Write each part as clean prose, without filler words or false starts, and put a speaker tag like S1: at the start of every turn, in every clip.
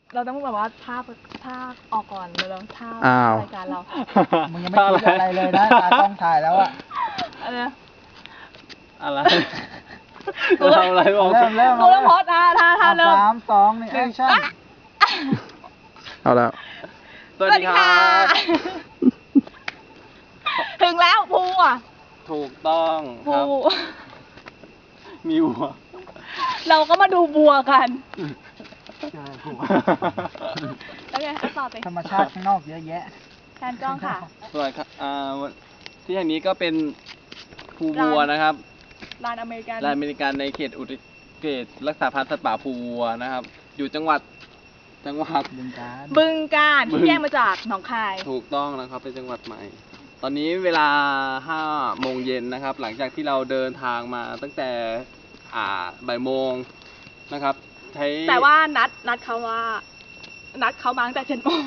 S1: เราต้องแบบว่าภาพออกก่อนเลยแล้วภาพ
S2: อ้าว
S1: รายการเรา
S3: มึงยังไม่คิดอะไรเลยนะตากล้องถ่ายแล้วอะ
S1: อะไรนะ
S4: อะไรจะทำอะไรบอก
S3: เริ่ม
S1: กูต้องโพสท่าเริ่ม
S3: 3 2นี่แอคชั่น
S2: เอาแล้ว
S4: สวัสดีครับ
S1: ถึงแล้วภูอ่ะ
S4: ถูกต้องค
S1: ภู
S4: รับมีวัว
S1: เราก็มาดูบัวกัน
S3: เจอกู
S1: แล้วไงต่อไป
S3: ธรรมชาติข้างนอกเยอะแยะ
S1: แทนกล้องค่ะ
S4: สวัสดีครับที่แห่งนี้ก็เป็นภูวัวนะครับ
S1: ลานอเมริกัน
S4: ลานอเมริกันในเขตเขตรักษาพันธุ์สัตว์ป่าภูวัวนะครับ อยู่จังหวัด
S3: บึงกาฬ
S1: บึงการที่แยกมาจากหนองคาย
S4: ถูกต้องนะครับเป็นจังหวัดใหม่ ตอนนี้เวลา5 โมงเย็นนะครับ หลังจากที่เราเดินทางมาตั้งแต่บ่ายโมงนะครับใช้
S1: แต่ว่านัดเขามาตั้งแต่7 โมง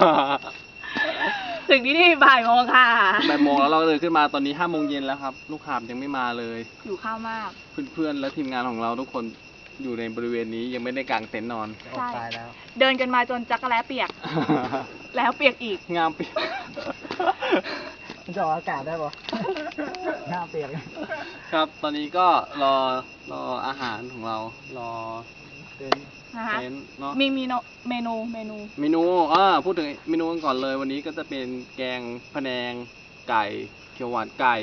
S1: ถึงที่นี่บ่ายโมงค่ะ
S4: บ่ายโมงแล้วเราเดินขึ้นมาตอนนี้5 โมงเย็นแล้วครับ ลูกหาบยังไม่มาเลย
S1: อยู่ข้าวมาก
S4: เพื่อนๆและทีมงานของเราทุกคนอยู่ในบริเวณนี้ยังไม่ได้กางเต็นท์นอน
S3: จะออกตายแล้ว
S1: เดินกันมาจนจักรแล้เปียก แล้วเปียกอีก
S4: งามเปียก
S3: มันจะออกอากาศได้ปะหน้าเปียก
S4: ครับ ตอนนี้ก็รออาหารของเรา รอ
S3: เต้น
S1: นะคะ
S4: เต็นท์เนาะ
S1: มีเมนู
S4: เมนูพูดถึงเมนูกันก่อนเลย วันนี้ก็จะเป็นแกงพะแนงไก่เขียวหวานไก่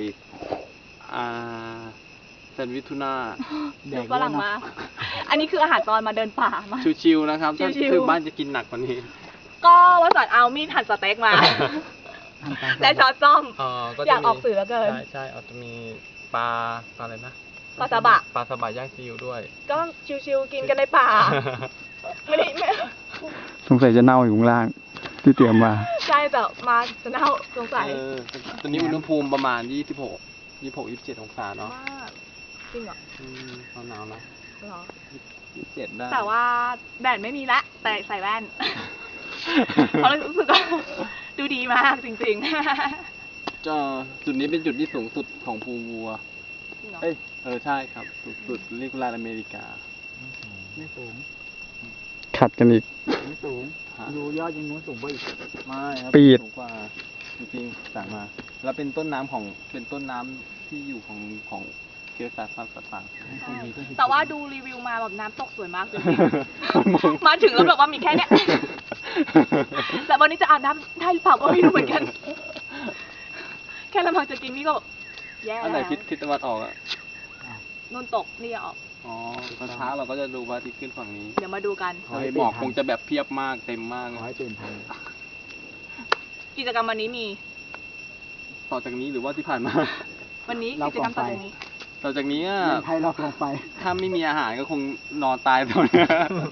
S4: แซนด์วิชทูน่า
S3: แด
S1: ดู
S3: ก
S1: ฝรั่งมา อันนี้คืออาหารตอนมาเดินป่ามา
S4: ชิวๆนะครับถ้า
S1: ชิวๆ
S4: คือบ้านจะกินหนักกว่านี้
S1: ก็ว่าสอนเอามีดหั่นสเต็กมา และช้อนส้อม
S4: ก็จะ
S1: อยากออกสื่อเหลือเกิน
S4: ใช่อาจจะมีปลาอะไรนะ
S1: ปลาซาบะ
S4: ปลาซาบะย่างซีอิ๊วด้วย
S1: ก็ชิวๆกินกันในป่า ไม่ได้ไม่
S2: สงสัยจะเน่าอยู่ข้างล่าง ที่เตรียมมา
S1: ใช่แต่มาจะเน่าสงสัย
S4: ตอนนี้อุณหภูมิประมาณ26-27 องศาเนาะ
S1: มากจริงเหรอ
S4: หนาวๆนะ
S1: เหรอ
S4: 27ได้
S1: แต่ว่าแดดไม่มีละแต่ใส่แว่น เพราะรู้สึกว่าดูดีมากจริงๆ
S4: จุดนี้เป็นจุดที่สูงสุดของภูวัว
S1: จริงเหรอ
S4: ใช่ครับสูงสุดเรียกว่าลานอเมริกา
S3: ไม่สูง
S2: ขัดกันอีก
S3: ไม่สูง
S4: ฮะ
S3: ดูยอดยังนู้นสูงกว่าอีก
S4: ไม่ครับ
S2: ปีด
S4: สูงกว่าจริงๆสั่งมา แล้วเป็นต้นน้ำที่อยู่ของเขตรักษาพันธุ์สัตว์ป่า
S1: แต่ว่าดูรีวิวมาแบบน้ำตกสวยมากจริงๆ มาถึงแล้วแบบว่ามีแค่เนี้ย แต่วันนี้จะอาบน้ำได้หรือเปล่าก็ไม่รู้เหมือนกัน แค่ลำพังจะกินนี่ก็แบบแย่
S4: อันไหน
S1: แล้ว
S4: ทิศตะวันออกอ่ะ
S1: นุ่นตกนี่ออก
S4: อ๋อตอนเช้าเราก็จะดูพระอาทิตย์ขึ้นฝั่งนี้
S1: เดี๋ยวมาดูกัน
S4: ทะเลหมอกคงจะแบบเพียบมากเต็มมาก
S3: ขอให้ตื่นทัน
S1: กิจกรรมวันนี้มี
S4: ต่อจากนี้หรือว่าที่ผ่านมา
S1: วันนี้กิจกรรมต่อจากนี้
S4: ต่อจากนี้อะ
S3: เมืองไทยเราลงไป
S4: ถ้าไม่มีอาหารก็คงนอนตายตรงนี้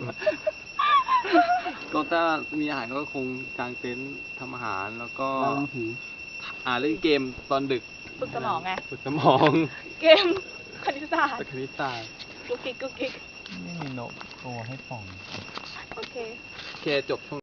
S4: ก็ถ้ามีอาหารก็คงกางเต็นท์ทำอาหารแล้วก็
S3: เราลงผี
S4: เล่นเกมตอนดึก
S1: ฝึกสมองไง
S4: ฝึกสมอง
S1: เกมคณิตศาสต
S4: ตะ
S1: ร์
S4: คริสตาร์
S1: กุ๊กกิ๊กกุ๊กกิ๊ก
S3: ไม่มีนกตัวให้ส่อง
S1: โอเค
S4: โอเคจบช่วง